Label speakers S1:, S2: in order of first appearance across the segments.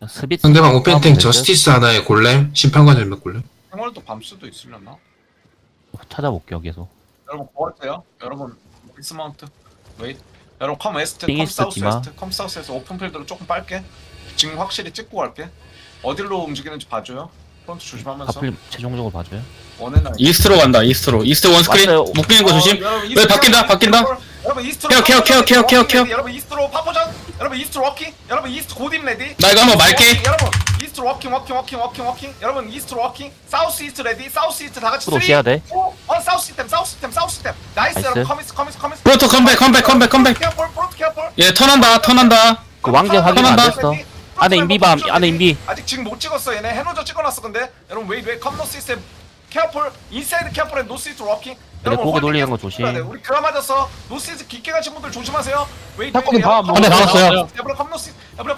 S1: 스비트
S2: 상대방 오펜탱 저스티스 하나에 골렘, 심판관 헬멧 골렘.
S3: 생활도 밤수도 있으려나?
S1: 찾아볼게요 계속.
S3: 여러분 고할게요. 여러분 디스마운트 웨이트. 여러분 컴 웨스트,
S1: 띵
S3: 컴
S1: 이스트
S3: 사우스
S1: 디마.
S3: 웨스트, 컴 사우스에서 오픈 필드로 조금 빨게. 지금 확실히 찍고 갈게. 어디로 움직이는지 봐줘요. 프론트 조심하면서.
S1: 하필 최종적으로 봐줘요.
S3: 원해나.
S4: 이스트로 간다. 이스트 원스크린
S1: 왔어요.
S4: 묶이는 거 조심.
S3: 여러분,
S4: 왜 바뀐다.
S3: 여러분 이스트로
S4: 케어, 케어, 케어, 케어, 케어, 케어.
S3: 여러분 이스트로 파포전. 여러분 이스트로 워킹. 여러분 이스트 고딤 레디.
S4: 나 이거 한번 말게.
S3: 여러분 이스트로 워킹. 여러분 이스트로 워킹. 사우스 이스트 레디. 사우스 이스트 다 같이.
S1: 또 오셔야 돼.
S3: 사우스 시스템. 나이스. 여러분 커미스.
S4: 프로토 컴백.
S3: 케어폴.
S4: 얘 턴한다.
S1: 그 왕제 확인 안
S4: 턴한다.
S1: 됐어. 안에 인비밤, 안에 인비.
S3: 아직 지금 못 찍었어. 얘네 해노저 찍어놨어. 근데 여러분 웨이 컴노 시스템. 케어폴 인사이드 케어폴 앤 노스 이스트 워킹.
S1: 고개 돌리는 거 조심.
S3: 우리 그라 맞았어. 노스이즈 깊게 가신 분들 조심하세요. 웨이
S5: 탁구는 다
S4: 한 대 박았어요.
S3: 에브라 컴노스.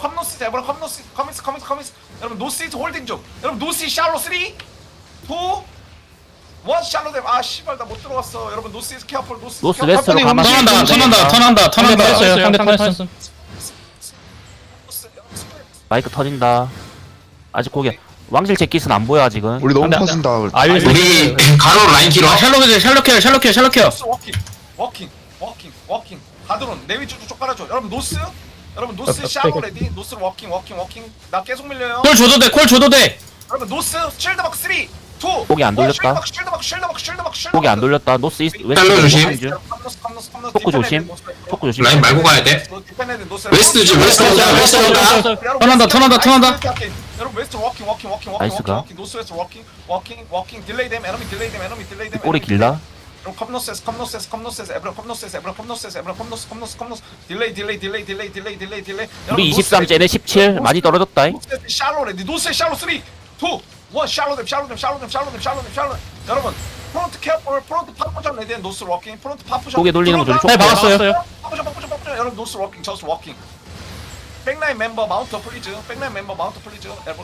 S3: 커미스. 여러분 노스이즈 홀딩 중. 여러분 노스 샬로 3 2 1 샬로 댐. 아 씨발 나 못 들어갔어. 여러분 노스이즈 케어폴 노스
S1: 웨스트로 가면
S4: 턴한다.
S5: 했어요. 상대 턴했어.
S1: 마이크 터진다. 아직 고개. 왕실 제킷은 안 보여 아직은.
S6: 우리 너무
S5: 안 돼, 안 돼.
S6: 퍼진다.
S2: 우리 가로 라인 길어.
S4: 샬롯 케어.
S3: 노스 워킹. 가드론 내 위주로 쪽 깔아줘. 여러분 노스 샬로 레디. 노스 워킹. 나 계속 밀려요.
S4: 콜 줘도 돼.
S3: 여러분 노스 쉴드 마크 3 2
S1: 고개 안 돌렸다.
S3: 쉴드 마크.
S1: 고개 안 돌렸다. 노스 이스트
S2: 달러 조심.
S1: 웨스트. 토크 조심. 토크 조심.
S2: 라인 말고 가야 돼. 웨스트지, 웨스트 온다.
S4: 턴한다.
S3: 여러분 웨스트 워킹.
S1: 나이스가.
S3: 노스 웨스트 워킹. 딜레이 댐. 에너미 딜레이 댐.
S1: 꼬리 길다.
S3: 여러분 컴노세스. 에브라 컴노스. 딜레이.
S1: 우리 23 쟤네 17 많이 떨어졌다.
S3: 샬로레 노스 샬로 3 2 1 샬로 댐. 여러분 프론트 케어폴 프론트 파포전 레디 노스 워킹. 프론트 파포전
S1: 고개 돌리는 거 조심.
S5: 네, 박았어요.
S3: 파포전. 여러분 노스 워킹 저스 워킹. 백라인 멤버 마운트 플리즈. 에브라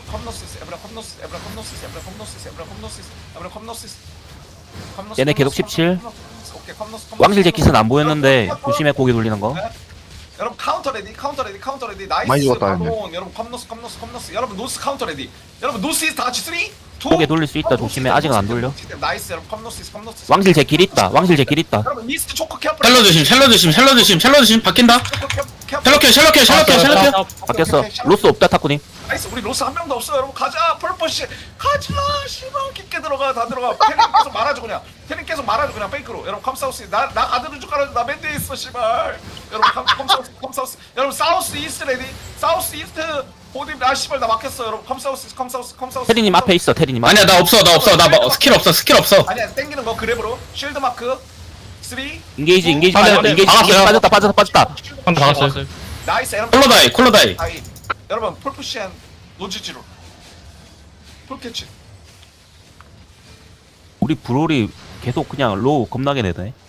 S3: 컴노시스.
S1: 얘네 계속 17.
S3: 오케이, 컴노스.
S1: 왕실 제킷은 안 보였는데 조심해 고개 돌리는 거.
S3: 여러분 카운터 레디. 나이스.
S6: 많이 죽었다,
S3: 바로 여러분 컴노스. 여러분 노스 카운터 레디. 여러분 노스 다 같이 3 2
S1: 고개 돌릴 수 있다. 조심해. 아직은 안 돌려.
S3: 나이스. 여러분 컴노스.
S1: 왕실 제킷 있다.
S3: 여러분 이스트 초코 케어.
S4: 샬롯 조심. 바뀐다. 샬롯 케어.
S1: 바뀌었어. 로스 없다 타쿠님.
S3: 나이스. 우리 로스 한 명도 없어. 여러분 가자. 펄퍼시 가자. 씨발 깊게 들어가. 다 들어가. 태닝 계속 말아줘 그냥 페이크로. 여러분 컴사우스 나 가드는 줄 알아. 나 맨드에 있어 씨발. 여러분 컴사우스. 여러분 사우스 이스트 레디. 사우스 이스트 보디. 아 씨발 나 막혔어. 여러분 컴사우스.
S1: 테리님 앞에 있어. 테리님 앞에.
S4: 아니야 나 없어. 나 스킬 없어.
S3: 아니야 땡기는 거 그랩으로. 쉴드 마크 3
S1: 인게이지
S5: 박았어요.
S1: 빠졌다.
S5: 한대 박았어요.
S3: 나이스. 여러분
S4: 콜로다이.
S3: 아이, 여러분 풀푸시한 노지지로 풀캐치.
S1: 우리 브롤이 계속 그냥 로우 겁나게 내네.